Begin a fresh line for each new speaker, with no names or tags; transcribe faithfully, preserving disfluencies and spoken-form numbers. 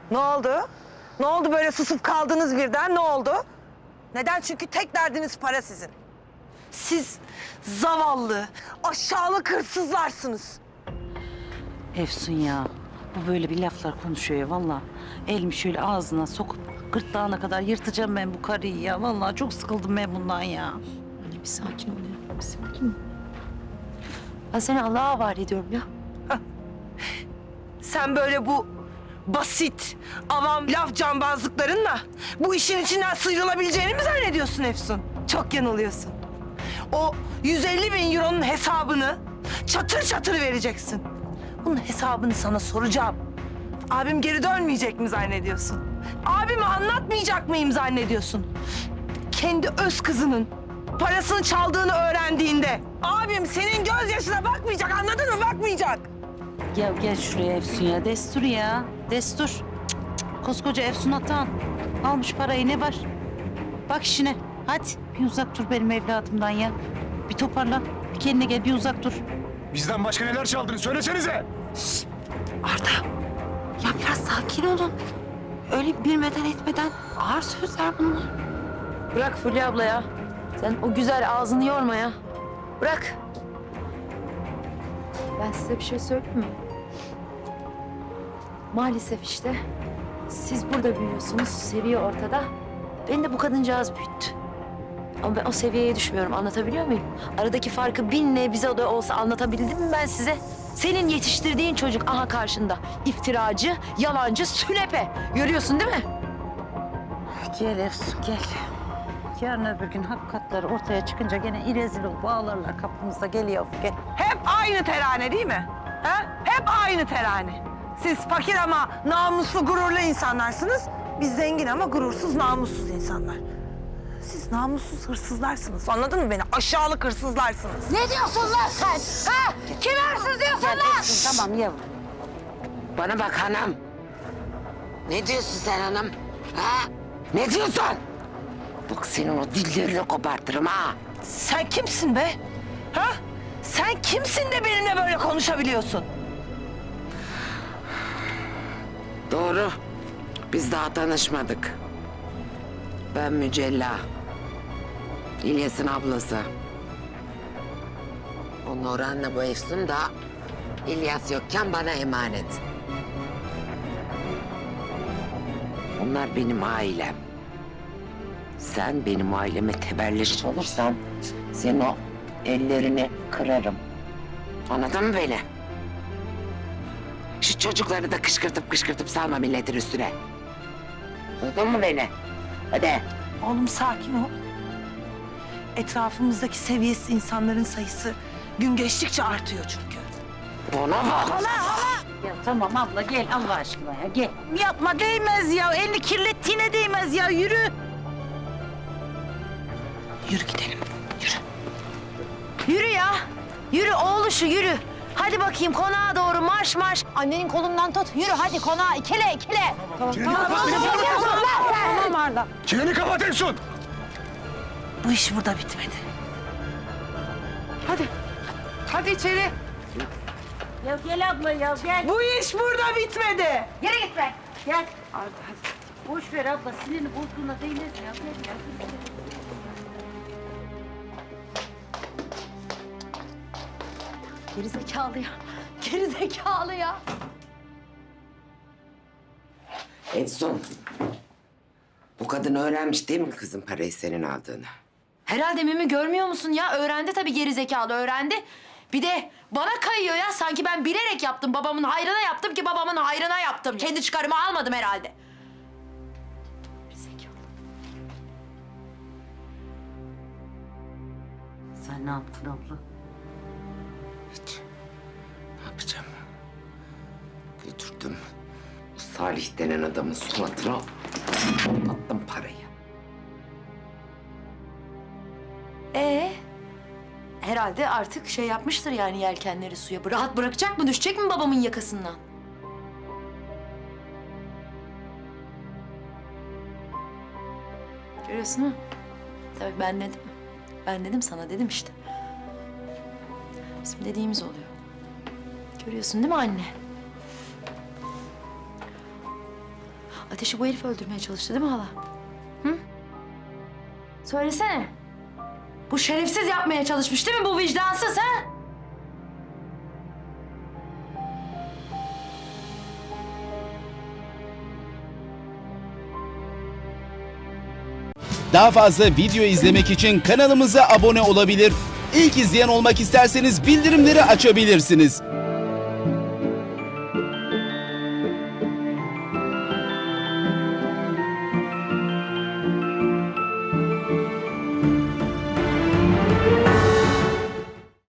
Ne oldu? Ne oldu böyle susup kaldınız birden? Ne oldu? Neden? Çünkü tek derdiniz para sizin. Siz zavallı, aşağılık hırsızlarsınız.
Efsun ya, bu böyle bir laflar konuşuyor ya vallahi. Elimi şöyle ağzına sokup gırtlağına kadar yırtacağım ben bu karıyı ya. Vallahi çok sıkıldım ben bundan ya.
Anne bir sakin ol ya. Bir sakin ol. Ben seni Allah'a havale ediyorum ya.
Sen böyle bu basit, avam laf cambazlıklarınla bu işin içinden sıyrılabileceğini mi zannediyorsun Efsun? Çok yanılıyorsun. O yüz elli bin euronun hesabını çatır çatır vereceksin. Bunun hesabını sana soracağım. Abim geri dönmeyecek mi zannediyorsun? Abime anlatmayacak mıyım zannediyorsun? Kendi öz kızının parasını çaldığını öğrendiğinde abim senin gözyaşına bakmayacak, anladın mı? Bakmayacak.
Ya gel şuraya Efsun ya, destur ya, destur. Cık, cık, cık. Koskoca Efsun Atan almış parayı, ne var? Bak işine, hadi bir uzak dur benim evladımdan ya. Bir toparlan, bir kendine gel, bir uzak dur.
Bizden başka neler çaldığını söylesenize.
Arda. Ya biraz sakin olun. Öyle bilmeden etmeden ağır sözler bunlar. Bırak Fulya abla ya. Sen o güzel ağzını yorma ya. Bırak. Ben size bir şey söyleyeyim mi? Maalesef işte siz burada büyüyorsunuz, seviye ortada. Beni de bu kadıncağız büyüttü. Ama ben o seviyeye düşmüyorum, anlatabiliyor muyum? Aradaki farkı bin nebze de olsa anlatabildim mi ben size? Senin yetiştirdiğin çocuk aha karşında. İftiracı, yalancı, sünepe. Görüyorsun değil mi?
Gel Efsun, gel. Yarın öbür gün hakikatleri ortaya çıkınca gene irezil ol, bağlarlar kapımızda. Gel yavrum, gel.
Hep aynı terane değil mi? Ha? Hep aynı terane. Siz fakir ama namuslu, gururlu insanlarsınız. Biz zengin ama gurursuz, namussuz insanlar. Siz namussuz hırsızlarsınız. Anladın mı beni? Aşağılık hırsızlarsınız.
Ne diyorsun lan sen? Ha? Kime hırsız diyorsun
Gel
lan?
Efsun, tamam yavrum.
Bana bak hanım. Ne diyorsun sen hanım? Ha? Ne diyorsun? Bak senin o dillerini kopartırım ha.
Sen kimsin be? Ha? Sen kimsin de benimle böyle konuşabiliyorsun?
Doğru. Biz daha tanışmadık. Ben Mücella. İlyas'ın ablası. O Nurhan'la bu Efsun da İlyas yokken bana emanet. Onlar benim ailem. Sen benim aileme tebelleş olursan senin o ellerini kırarım. Anladın mı beni? Şu çocukları da kışkırtıp kışkırtıp salma milletin üstüne. Anladın mı beni? Hadi.
Oğlum sakin ol. Etrafımızdaki seviyesiz insanların sayısı gün geçtikçe artıyor çünkü.
Bana bak.
Ya tamam abla, gel Allah aşkına ya, gel. Yapma, değmez ya. Elini kirlettiğine değmez ya, yürü.
Yürü gidelim, yürü.
Yürü ya. Yürü oğluşu yürü. Hadi bakayım konağa doğru marş marş. Annenin kolundan tut. Yürü hadi konağa ikile ikile.
Çeneni kapat Efsun.
Tamam Arda.
Çeneni kapat Efsun.
Bu iş burada bitmedi.
Hadi. Hadi içeri.
Ya gel abla ya, gel.
Bu iş burada bitmedi.
Yere git be, gel. Hadi hadi. Boş ver abla, sinirini bozduğuna değmez ya. Gel ya.
Geri zekalı ya. Geri zekalı ya.
Efsun. Bu kadın öğrenmiş değil mi kızın parayı senin aldığını?
Herhalde Mimi görmüyor musun ya? Öğrendi tabii geri zekalı öğrendi. Bir de bana kayıyor ya. Sanki ben bilerek yaptım. Babamın hayrına yaptım ki babamın hayrına yaptım. Kendi çıkarımı almadım herhalde. Geri zekalı.
Sen ne yaptın abla?
Hiç. Ne yapacağım? Götürdüm. O Salih denen adamın suratına attım parayı.
Ee, herhalde artık şey yapmıştır yani yelkenleri suya. Rahat bırakacak mı? Düşecek mi babamın yakasından? Görüyorsun mu? Tabii ben dedim. Ben dedim sana dedim işte. Bizim dediğimiz oluyor. Görüyorsun değil mi anne? Ateşi bu herif öldürmeye çalıştı değil mi hala? Hı? Söylesene. Bu şerefsiz yapmaya çalışmış değil mi bu vicdansız ha?
Daha fazla video izlemek için kanalımıza abone olabilir. İlk izleyen olmak isterseniz bildirimleri açabilirsiniz.